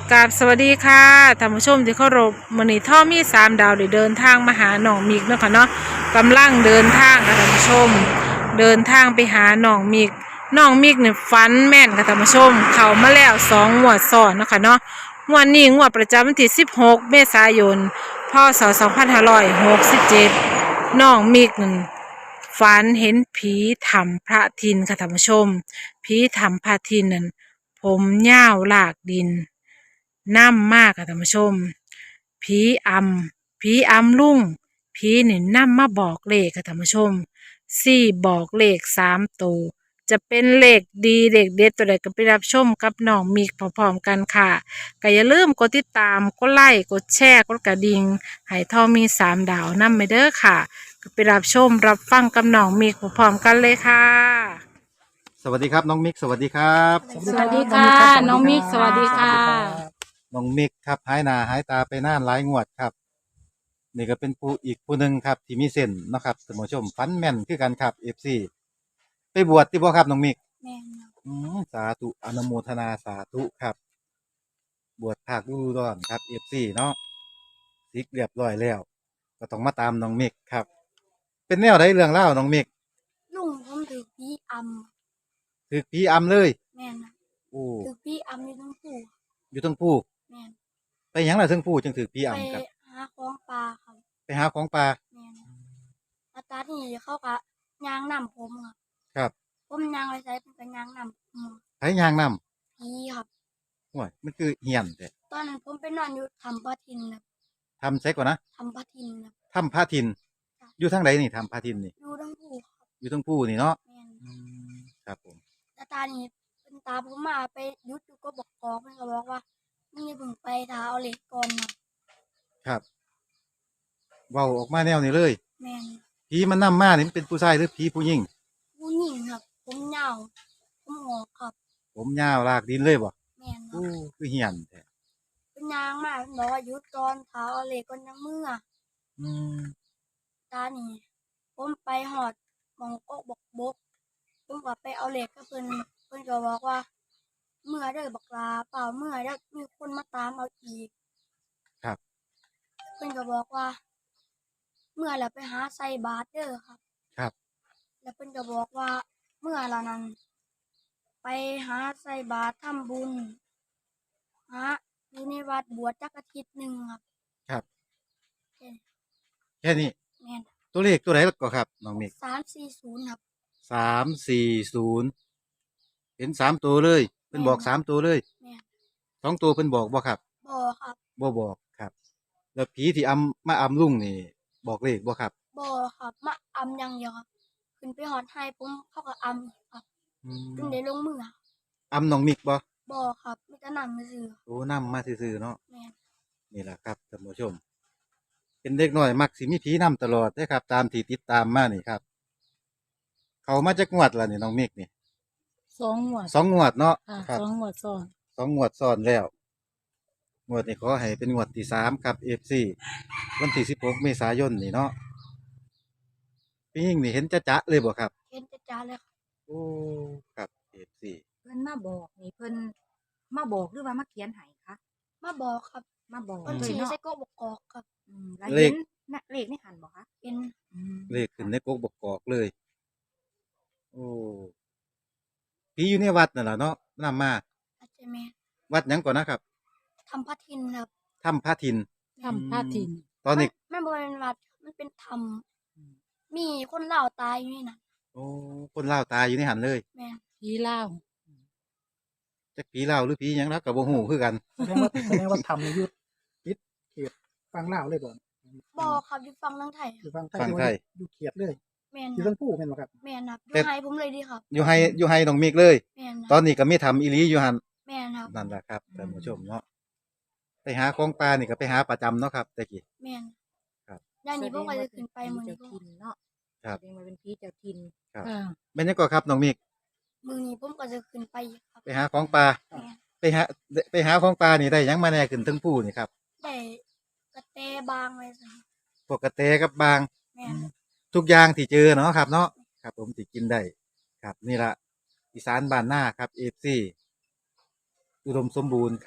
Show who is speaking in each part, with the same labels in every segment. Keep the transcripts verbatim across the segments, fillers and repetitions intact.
Speaker 1: กราบสวัสดีค่ะท่านผู้ชมที่เคารพมื้อนี้ท่อมีสามดาวได้เดินทางมาหาหนองมิกเนาะค่ะเนาะกำลังเดินทางค่ะท่านผู้ชมเดินทางไปหาหนองมิกหนองมิกเนี่ยฝันแม่นค่ะท่านผู้ชมเข้ามาแล้วสองงวดซ้อนเนาะค่ะเนาะงวดนี้งวดประจำวันที่สิบหกเมษายนพศสองพันห้าร้อยหกสิบเจ็ดหนองมิกนั่นฝันเห็นผีถ้ำพระทินค่ะท่านผู้ชมผีถ้ำพระทินนั่นผมยาวลากดินน้ำมากค่ะท่านผู้ชมผีอำผีอำลุงผีนี่นำมาบอกเลขค่ะท่านผู้ชมสี่บอกเลขสามตัวจะเป็นเลขดีเลขเด็ดตัวใดก็ไปรับชมกับน้องมิกพร้อมๆกันค่ะก็อย่าลืมกดติดตามกดไลค์กดแชร์กดกระดิ่งให้ทอมีสามดาวนำไปเด้อค่ะก็ไปรับชมรับฟังกับน้องมิกพร้อมๆกันเลยค่ะ
Speaker 2: สวัสดีครับน้องมิกสวัสดีครับ
Speaker 1: สวัสดีค่ะน้องมิกสวัสดีค่ะ
Speaker 2: น้องมิกครับหายหน้าหายตาไปนานหลายงวดครับนี่ก็เป็นผู้อีกผู้หนึ่งครับที่มีเส้นเนาะครับท่านผู้ชมฟันแม่นคือกันครับเอฟซีไปบวชที่บ่ครับน้องมิก
Speaker 3: แม่นครับ
Speaker 2: อืมสาธุอนุโมทนาสาธุครับ บวชภาคฤดูร้อนครับเอฟซีเนาะซิกเรียบร้อยแล้ว ก็ต้องมาตามน้องมิกครับ เป็นแนวใดเรื่องเล่าวน้องมิก
Speaker 3: ลุงผมถือพี่อำ
Speaker 2: ถือผีอำเลย
Speaker 3: แม่นครับ
Speaker 2: โอ้
Speaker 3: ถือพี่อำอยู่ทั้งผู้
Speaker 2: อยู่ทั้งผู้
Speaker 3: แม่น
Speaker 2: ไปหยังล่ะทั้งผู้จึงถือผี
Speaker 3: ไป
Speaker 2: อำครับ
Speaker 3: หาของปลาครับ
Speaker 2: ไปหาของป่า
Speaker 3: แม่นอาตาที่เขากะยางนำผมครับ
Speaker 2: ครับ
Speaker 3: ผมยางไปใช้เป็นกะยางนำผม
Speaker 2: ไผยางนำ
Speaker 3: พี่ครับ
Speaker 2: โอ้ยมันคือเหียนแต่
Speaker 3: ตอนนั้นผมไปนอนอยู่ทำปะทินครับ
Speaker 2: ทำใช่ก่อนนะ
Speaker 3: ทำปะทินครับ
Speaker 2: ทำพระทิน
Speaker 3: ค่ะ
Speaker 2: อยู่ทางไหนนี่ทำพระทินนี่
Speaker 3: อยู่ทั้งผู้ครับ
Speaker 2: อยู่ทางผู้นี่เนาะ
Speaker 3: แม่น
Speaker 2: ครับผม
Speaker 3: อาตานี่เป็นตาผมมาไปยุดอยู่ก็บอกกอกเพิ่นก็บอกว่ามึงอย่าเพิ่งไปท้าเอาเหล็กก่อนครับ
Speaker 2: ครับเว้าออกมาแนวนี้เลย
Speaker 3: แม่น
Speaker 2: ผีมันนำมานี่มันเป็นผู้ชายหรือผีผู้หญิง
Speaker 3: ผู้หญิงครับผมยาวผมงอกครับ
Speaker 2: ผมยาวลากดินเลยบ่
Speaker 3: แม่นครับ
Speaker 2: อู้คือเหียนแท้
Speaker 3: เป็นยางมากบอกว่าหยุดก่อนเท้าเอาเหล็กก่อนยังมือ
Speaker 2: อืม
Speaker 3: ตานี่ผมไปหอดหมองกกบกบกผมก็ไปเอาเหล็กกับเพิ่นเพิ่นก็บอกว่า เมื่อได้อบักลาเปล่าเมื่อได้อมีคนมาตามเอาอีก
Speaker 2: ครับ
Speaker 3: เพิ่นก็บอกว่า เมื่อแล้วไปหาใส่บาตรเด้อครับ
Speaker 2: ครับ
Speaker 3: แล้วเพิ่นก็บอกว่า เมื่อละนั้นไปหาใส่บาตรทำบุญหาอยู่ในวัดบวชจักอาทิตย์หนึ่งครับ
Speaker 2: ครับ
Speaker 3: แค่นี้
Speaker 2: แค่นี้
Speaker 3: แม่น
Speaker 2: ตัวเลขตัวไหนก็ครับน้องมิก
Speaker 3: สามสี่ศูนย์ครับ
Speaker 2: สามสี่ศูนย์เห็นสามตัวเลยเพิ่นบอกสามตัวเลย
Speaker 3: แม่น
Speaker 2: สองตัวเพิ่นบอกบ่ครับ
Speaker 3: บ่ครับ
Speaker 2: บ่บอกครับ แล้วผีที่อำมาอำลุงนี่ บอกเลขบ่ครับ
Speaker 3: บ่ครับมาอำอย่างเดียวครับขึ้นไปหอดไห้ผมเขาก็อำอีกครับ
Speaker 2: อืม
Speaker 3: จนได้ลงมือครับ
Speaker 2: อำน้องมิกบ่
Speaker 3: บ่ครับมีแต่นำซื่อ
Speaker 2: โอ้นำมาซื่อๆเนาะ
Speaker 3: ๆแม่น
Speaker 2: นี่แหละครับท่านผู้ชม เป็นเด็กน้อยมักสิมีผีนำตลอดได้อครับ ตามที่ติดตามมานี่ครับ เขามาจากงวดละนี่น้องมิกนี่
Speaker 1: สองงวด
Speaker 2: สองงวดเนาะ
Speaker 1: ค่ะ
Speaker 2: ครับ
Speaker 1: สองงวดซ้อน
Speaker 2: สองงวดซ้อนแล้วงวดนี้ขอให้เป็นงวดที่สามครับเอฟซีวันที่สิบหกเมษายนนี่เนาะพี่ยิ่งนี่เห็นจะจะเลยบ่ครับ
Speaker 3: เห็นจ้าๆเลยครับ
Speaker 2: โอ้ครับเอฟซี
Speaker 4: เพิ่นมาบอกนี่เพิ่นมาบอกหรือว่ามาเขียนให้คะ
Speaker 3: มาบอกครับ
Speaker 4: มาบอก
Speaker 3: เพิ่น
Speaker 4: เลย
Speaker 3: สิ
Speaker 4: เนาะ
Speaker 3: ใส่กกบกอกครับ
Speaker 4: อืมแล้วเห็นน่ะเลขในหันบ่คะ
Speaker 3: เป็น
Speaker 4: อืม
Speaker 2: เลขขึ้นในกกบกกอกเลย โอ้ผีอยู่ในวัดนั่นแหละเนาะนำมา
Speaker 3: อาจจะแม่น
Speaker 2: วัดหยังก่อนนะครับ
Speaker 3: ทำพระทินครับ
Speaker 2: ถ้ำพระทิน
Speaker 1: ทำพระทิน
Speaker 2: ตอนนี้
Speaker 3: ไม่บ่เป็นวัดมันเป็นธรรมมีคนลาวตายอยู่นี่น่ะ
Speaker 2: โอ้คนเล่าวตายอยู่ในหันเลย
Speaker 3: แม่น
Speaker 1: ผีเล่าว
Speaker 2: จักผีเล่าวหรือผีหยังแล้วกับบ่ฮู้คือกัน
Speaker 5: แสดงว่าแสดงว่าทำในยุทธปิดเขตฟังเล่าวเลยบ่
Speaker 3: บ่ครับอยู่ฝั่งทางไทยค
Speaker 5: อยู่
Speaker 3: รับ
Speaker 5: ฟังไทย
Speaker 2: ฟังไทย
Speaker 5: อยู่เขตเลย
Speaker 3: แม่น
Speaker 5: อยู่
Speaker 3: ครั
Speaker 5: ทั้
Speaker 3: บ
Speaker 5: งผู้แม่นบ่ครับ
Speaker 3: แม่นครับอ
Speaker 2: แต่
Speaker 3: ยู่ไห้ผมเลยดีครับ
Speaker 2: อยู่ให้อยู่ให้น้องมิกเลย
Speaker 3: แม่นค
Speaker 2: ตอ
Speaker 3: รับ
Speaker 2: นนี้ก็มีทำอีหลีอยู่หัน
Speaker 3: แม่นครับ
Speaker 2: นั่นแหละครับท่านผู้ชมเนาะไปหาของปลานี่ก็ไปหาประจำเนาะครับตะกี้
Speaker 3: แม่น
Speaker 2: ครับ
Speaker 3: ย่านนี้ผมก็จะขึ้นไปมื้อ
Speaker 4: เจ้า
Speaker 3: นี้ผม
Speaker 4: ถิ่นเนาะ
Speaker 2: ครับ
Speaker 4: แสดงว่าเป็นผีเจ้าถิ่น
Speaker 2: ครับ
Speaker 1: ค่ะ
Speaker 2: เป็นยังก็ครับน้องมิก
Speaker 3: มื้อนี้ผมก็จะขึ้นไปอีกครับ
Speaker 2: ไปหาของปลา
Speaker 3: แม่น
Speaker 2: ไปหาไปหาของปลานี่ได้หยังมาแหน่ขึ้นทั้งผู้นี่ครับ
Speaker 3: ได้กระแตบางไว้ซั่น
Speaker 2: พวกกระเตกับบาง
Speaker 3: แม่น
Speaker 2: ทุกอย่างที่เจอเนาะครับ เนาะครับ ผมที่กินได้ครับ นี่ละอีสานบ้านหน้าครับเอฟซีอุดมสมบูรณ์ครับ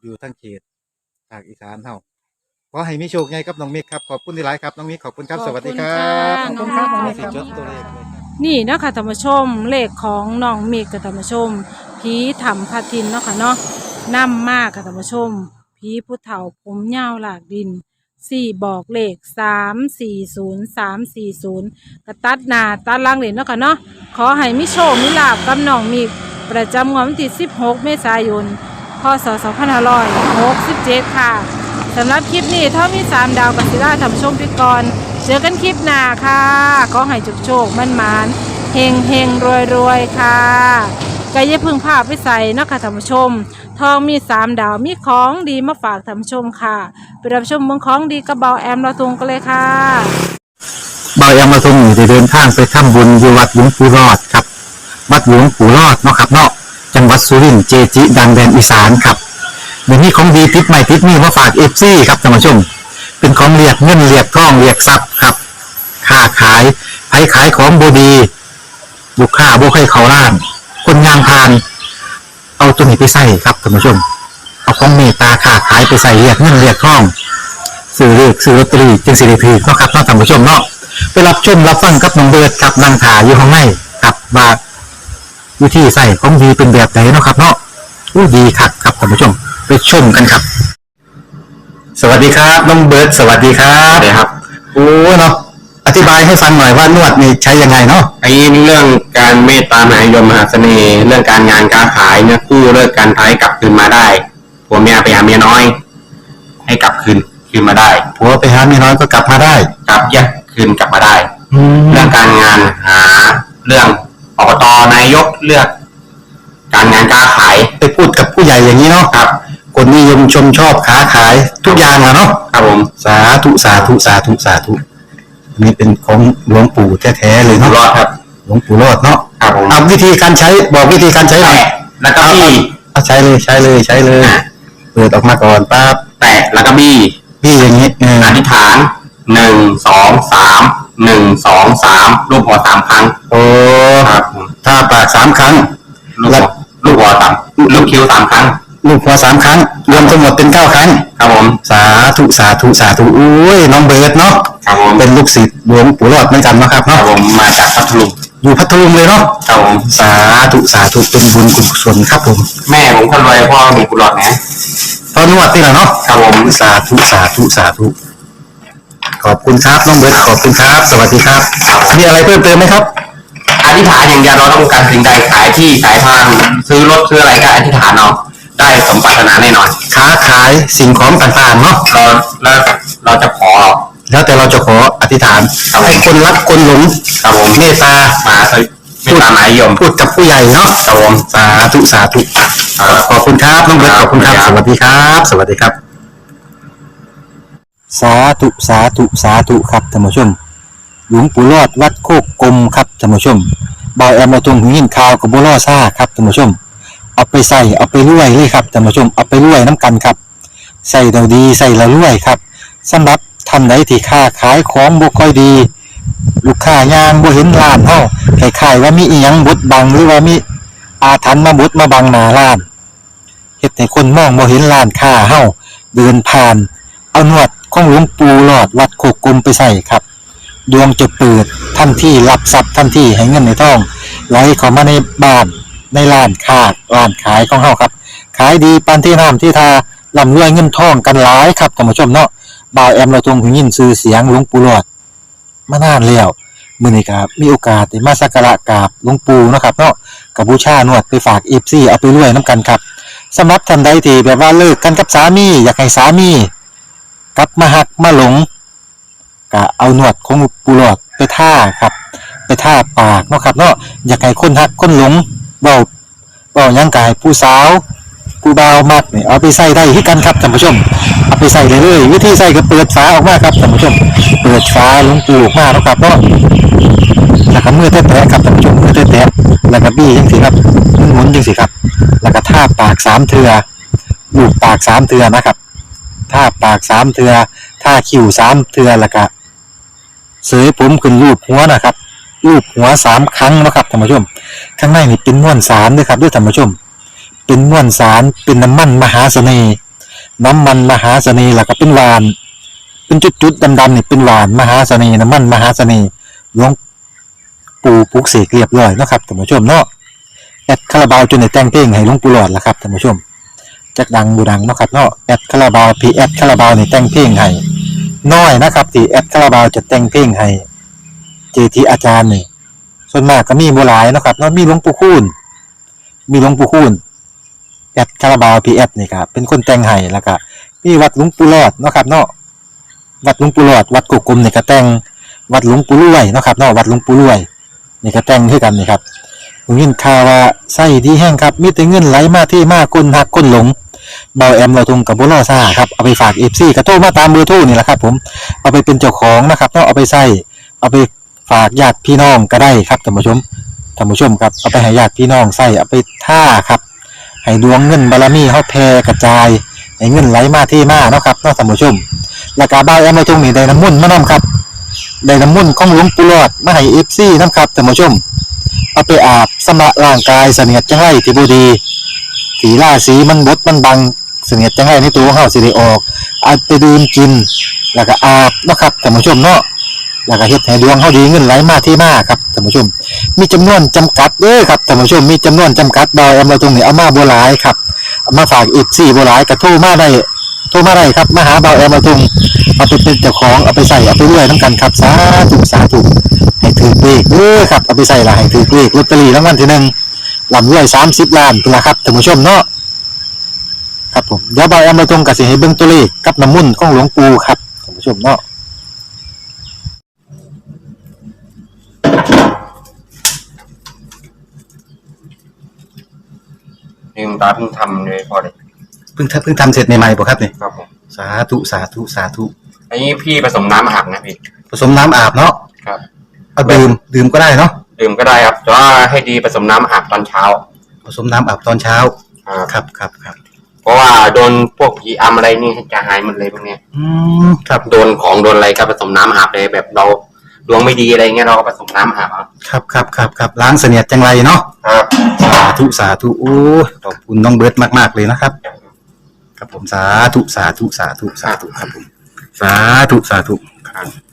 Speaker 2: อยู่ทั้งเขตภาคอีสานเฮาขอให้มีโชคใหญ่ครับน้องมิกครับขอบคุณที่หลายครับน้องมิกขอบคุณครับสวัสดีครั
Speaker 1: ข
Speaker 2: บ
Speaker 1: อบคุณค่ะ
Speaker 5: ขอบคุณครับ
Speaker 1: น้องมิก
Speaker 2: สิจดตัวเลขเลยครับ
Speaker 1: นี่เนาะคะธรรมชมเลขของน้องมิกกับธรรมชมผีถ้ำพาทินเนาะค่ะเนาะนํมากกับธรรมชมผีผู้เฒ่าผมยาวหลากดินสี่บอกเลขสามสี่ศูนย์สามสี่ศูนย์กระตัดหน้าตัดหลังเหรียญเนาะค่ะเนาะขอให้มิโชคมิลาบกับน้องมิกประจำงวดวันที่สิบหกเมษายนพศสองพันห้าร้อยหกสิบเจ็ดค่ะสำหรับคลิปนี้ถ้ามีสามดาวกับศิลาธรรมชมพิกรเจอกันคลิปหน้าค่ะขอให้จุกโชคมั่นหมานเฮงเฮงรวยรวยค่ะก็อย่าเพึ่งพาไปใส่เนาะค่ะธรรมชมทองมีสามดาวมีของดีมาฝากธรรมชมค่ะไปรับชมเมืองของดีกระเบาแอมเราทุงกันเลยค่ะ
Speaker 6: บายามาทรงอยู่ได้เดินทางไปทำบุญอยู่วัดหลวงปู่รอดครับวัดหลวงปู่รอดเนาะครับเนาะจังหวัดสุรินทร์เจจิ ดังแดนอีสานครับเดี๋ยวนี้ของดีติดใหม่ติดนี่มาฝากเอฟซีครับท่านผู้ชมเป็นของเรียกเงินเรียกทองเรียกทรัพย์ครับค้าขายไผขายของบดีลูกค้าบ่ให้เขาล้าน คนงานพาน เอาตัวนี้ไปใส่ครับท่านผู้ชมเอาของเมตตาค้าขายไปใส่เรียกเงินเรียกทองซื้อเลขซื้อลอตเตอรี่จึงสิริพีเนาะครับเนาะท่านผู้ชมเนาะไปรับชมรับฟังกับน้องเบิร์ดครับนางถาอยู่ข้างในกับว่าวิธีใส่ของดีเป็นแบบไหนเนาะครับเนาะอู้ดีคักครับท่านผู้ชมไปชมกันครับ สวัสดีครับน้องเบิร์ดสวัสดีครับสวัสดีครับโอ้เนาะอธิบายให้ฟังหน่อยว่านวดนี่ใช้ยังไงเนาะ
Speaker 7: ไอ้เรื่องการเมตตามหานิยมมหาเสน่ห์เรื่องการงานการขายเนี่ยกู้เลิกการท้ายกลับคืนมาได้ผัวเมียไปหาเมียน้อย ให้กลับคืนคืนมาได้
Speaker 6: ผัวไปหาเมียน้อยก็กลับมาได้
Speaker 7: กลับแยกคืนกลับมาได้
Speaker 6: แล้
Speaker 7: เรื่
Speaker 6: ว
Speaker 7: องการงานหาเรื่องอบตนายกเลือก การงานการขาย
Speaker 6: ไปพูดกับผู้ใหญ่อย่างนี้เนาะ
Speaker 7: ครับ
Speaker 6: คนนิยมชมชอบค้าขายทุกอย่างอะเนาะ
Speaker 7: ครับผม
Speaker 6: สาธุสาธุสาธุสาธุอันนี้เป็นของหลวงปู่แท้ๆเลย
Speaker 7: อยู่
Speaker 6: เนาะ
Speaker 7: รอดครับ
Speaker 6: หลวงปู่รอดเนาะ
Speaker 7: ครับผม
Speaker 6: เอาวิธีการใช้บอกวิธีการใช้หน่อย
Speaker 7: แตะแล้วก็บี้
Speaker 6: เอาใช้เลยใช้เลยใช้เลยเปิดออกมาก่อนปั๊บ
Speaker 7: แตะแล้วก็บี้
Speaker 6: พี่อย่างนี้เออ
Speaker 7: อธิษฐานหนึ่งสองสามหนึ่งสองสามรูปหัวสามครั้ง
Speaker 6: โอ้
Speaker 7: ครับผม
Speaker 6: ถ้าปากสามครั้ง
Speaker 7: ลูกหัวลูกหัวสามลูกคิ้วสามครั้ง
Speaker 6: ลูกหัวสามครั้ง รวมทั้งหมดเป็นเก้าครั้ง
Speaker 7: ครับผม
Speaker 6: สาธุสาธุสาธุอุ้ยน้องเบิร์ดเนาะ
Speaker 7: ครับผม
Speaker 6: เป็นลูกศิษย์หลวงปู่รอดเหมือนกันเนาะครับ
Speaker 7: ครับ
Speaker 6: เนาะ
Speaker 7: ผมมาจากพัทลุง
Speaker 6: อยู่พัทลุงเลยเนาะ
Speaker 7: ครับผม
Speaker 6: สาธุสาธุเป็นบุญกุศลครับผม
Speaker 7: แม่ผมคนรวยพ่อมีกุหลาบนะ
Speaker 6: ตอนนวดนี่แหละเนาะ
Speaker 7: ครับผม
Speaker 6: สาธุสาธุสาธุขอบคุณครับน้องเบิร์ดขอบคุณครับ สวัสดีครับมีอะไรเพิ่มเติมไหมครับ
Speaker 7: อธิษฐานอย่างเดียวเราต้องการสิ่งใดขายที่ขายทางซื้อรถซื้ออะไรก็อธิษฐานเอาได้สมปรารถนาแน่นอน
Speaker 6: ค้าขายสิ่งของต่างๆเนาะ
Speaker 7: เราแล้วเราจะขอ
Speaker 6: แล้วแต่เราจะขออธิษฐานให้คนรักคนหลง
Speaker 7: ครับผม
Speaker 6: เมตตา
Speaker 7: มาสวิไม่ตามหมายยม
Speaker 6: พูดกับผู้ใหญ่เนาะ
Speaker 7: ครับผม
Speaker 6: สาธุสาธุขอบคุณครับน้องเบิร์ตขอบคุณครับ สวัสดีครับ สวัสดีครับ สาธุสาธุสาธุครับท่านผู้ชม หลวงปู่รอดวัดโคกกลมครับท่านผู้ชมบอยแอมมาตรงหินข่าวกับบัวล่อซ่าครับท่านผู้ชม เอาไปใส่เอาไปรวยเลยครับท่านผู้ชมเอาไปรวยน้ำกันครับใส่เราดีใส่เรารวยครับสำหรับท่านใดที่ค้าขายของบ่ค่อยดี ลูกค้ายางบ่เห็นร้านเฮาคล้ายๆว่ามีอีหยังบดบังหรือว่ามีอาถรรพ์มาบดมาบังหน้าร้านเฮ็ดให้คนมองบ่เห็นร้านค้าเฮาเดินผ่าน เอาหนวดของหลวงปู่หลอดวัดโคกกลมไปใส่ครับดวงจะเปิดทันทีรับทรัพย์ทันทีให้เงินในท้องไหลเข้ามาในบ้านในร้านค้าร้านขายของเฮาครับขายดีปานที่น้ำที่ทาร่ำรวยเงินทองกันหลายครับท่านผู้ชมเนาะบ่าวแอมเราทรงหูยินชื่อเสียงหลวงปู่หลอดมานานแล้วมื้อนี้ก็มีโอกาสได้มาสักการะกราบหลวงปู่เนาะครับเนาะกับบูชานวดไปฝาก เอฟ ซี เอาไปรวยนํกันครับสำหรับท่านใดที่แบบว่าเลิกกันกับสามีอยากให้สามีกลับมาหักมาหลงก็เอาหนวดของปูหลอดไปท่าครับไปท่าปากเนาะครับเนาะอยากให้คนหักคนหลงเบาเบาหยังกายผู้สาวผู้บ่าวมักนี่เอาไปใส่ได้ที่กันครับท่านผู้ชมเอาไปใส่เลยเลยวิธีใส่ก็เปิดฝาออกมาครับท่านผู้ชมเปิดฝาหลวงปูออกมาเนาะครับเนาะแล้วก็มือแตะๆครับท่านผู้ชมมือแตะๆแล้วก็บี้จังซี่ครับหมุนๆจังซี่ครับแล้วก็ท่าปากสามเทื่อลูบปากสามเทื่อนะครับท่าปากสามเทื่อท่าคิ้วสามเทื่อแล้วก็เสยผมขึ้นรูปหัวนะครับรูปหัวสามครั้งนะครับท่านผู้ชมข้างในนี่เป็นม้วนสารด้วยครับด้วยท่านผู้ชมเป็นม้วนสารเป็นน้ำมันมหาเสน่ห์น้ำมันมหาเสน่ห์แล้วก็เป็นหวานเป็นจุดๆดำๆนี่เป็นหวานมหาเสน่ห์น้ำมันมหาเสน่ห์หลวงปู่ปลุกเสกเรียบร้อยเนาะครับท่านผู้ชมเนาะแอดคาราบาวจนได้แต่งเพลงให้หลวงปู่หลอดละครับท่านผู้ชมจักดังบูดังเนาะครับเนาะแอดคาราบาวพีแอดคาราบาวนี่แต่งเพลงให้น้อยนะครับที่แอดคาราบาวจะแต่งเพลงให้เจทีอาจารย์นี่ส่วนมากก็มีบ่หลายเนาะครับเนาะมีหลวงปู่คูณมีหลวงปู่คูณแอดคาราบาวพีแอดนี่ครับเป็นคนแต่งให้แล้วก็มีวัดหลวงปู่หลอดเนาะครับเนาะวัดหลวงปู่หลอดวัดกุกกลมนี่ก็แต่งวัดหลวงปู่รวยเนาะครับเนาะวัดหลวงปู่รวยนี่ก็แต่งคือกันนี่ครับผมยินข่าวว่าไส้ดีแห้งครับมีแต่เงินไหลมาที่มาคนหักคนหลงเบาแอมเราทงกับบุรอซ่าครับเอาไปฝาก เอฟ ซี ก็โทรมาตามเบอร์โทรนี่แหละครับผมเอาไปเป็นเจ้าของนะครับเนาะเอาไปใส่เอาไปฝากญาติพี่น้องก็ได้ครับท่านผู้ชมท่านผู้ชมครับเอาไปให้ญาติพี่น้องใส่เอาไปท่าครับให้ดวงเงินบารมีเฮาแผ่กระจายให้เงินไหลมาที่มาเนาะครับเนาะท่านผู้ชมแล้วก็เบาแอมเราทงนี่ได้น้ำมนต์มานํครับได้น้ำมนต์ของหลวงปู่หลอดมาให้ เอฟ ซี นำครับท่านผู้ชมเอาไปอาบสำระร่างกายเสนียดจังไรที่บ่ดีสีราสีมันบดมันบังเสนียดจังไรในตัวของเฮาสิได้ออกเอาไปดื่มกินแล้วก็อาบเนาะครับท่านผู้ชมเนาะแล้วก็เฮ็ดให้ดวงเฮาดีเงินไหลมาที่มาครับท่านผู้ชมมีจำนวนจำกัดเด้อครับท่านผู้ชมมีจำนวนจำกัดดอยเอามาตรงนี้เอามาบ่หลายครับเอามาฝาก เอฟ ซี บ่หลายก็โทรมาได้โทรมาได้ครับมาหาเบาแอมมาตรงเอาไปเป็นเจ้าของเอาไปใส่เอาไปรวยนํกันครับสาธุสาธุให้ถือเลขเด้อครับเอาไปใส่ละให้ถือเลขลอตเตอรี่รางวัลที่หนึ่งลำรวยสามสิบล้านพุ่นล่ะครับท่านผู้ชมเนาะครับผมเดี๋ยวเบาแอมมาตรงก็สิให้เบิ่งตัวเลขกับน้ำมนต์ของหลวงปู่ครับท่านผู้ชมเนาะ
Speaker 7: ลืมตาเพิ่งทำเลยพอเลย
Speaker 2: เพิ่งทำเพิ่งทำเสร็จใหม่ๆป่ะครับเนี่ย
Speaker 7: ครับผม
Speaker 2: สาธุสาธุสาธุ
Speaker 7: อันนี้พี่ผสมน้ำอาบนะพี่
Speaker 2: ผสมน้ำอาบเนาะ
Speaker 7: ครับ
Speaker 2: เอาดื่มดื่มก็ได้เนาะ
Speaker 7: ดื่มก็ได้ครับแต่ว่าให้ดีผสมน้ำอาบตอนเช้า
Speaker 2: ผสมน้ำอาบตอนเช้า
Speaker 7: ครับ
Speaker 2: ครับครับครับ
Speaker 7: เพราะว่าโดนพวกผีอำอะไรนี่จะหายหมดเลยพวกเนี้ย
Speaker 2: อืมครับ
Speaker 7: โดนของโดนอะไรก็ผสมน้ำอาบเลยแบบเราดวงไม่ดีอะไรเงี้ยเราก็ผสมน้ำอาบเอา
Speaker 2: ครับครับครับครับล้างเสนียดจังไรเนาะ
Speaker 7: ครับ
Speaker 2: สาธุสาธุโอ้ยขอบคุณน้องเบิร์ตมากๆเลยนะครับ ครับผมสาธุสาธุสาธุสาธุครับผมสาธุสาธุ
Speaker 7: ครับ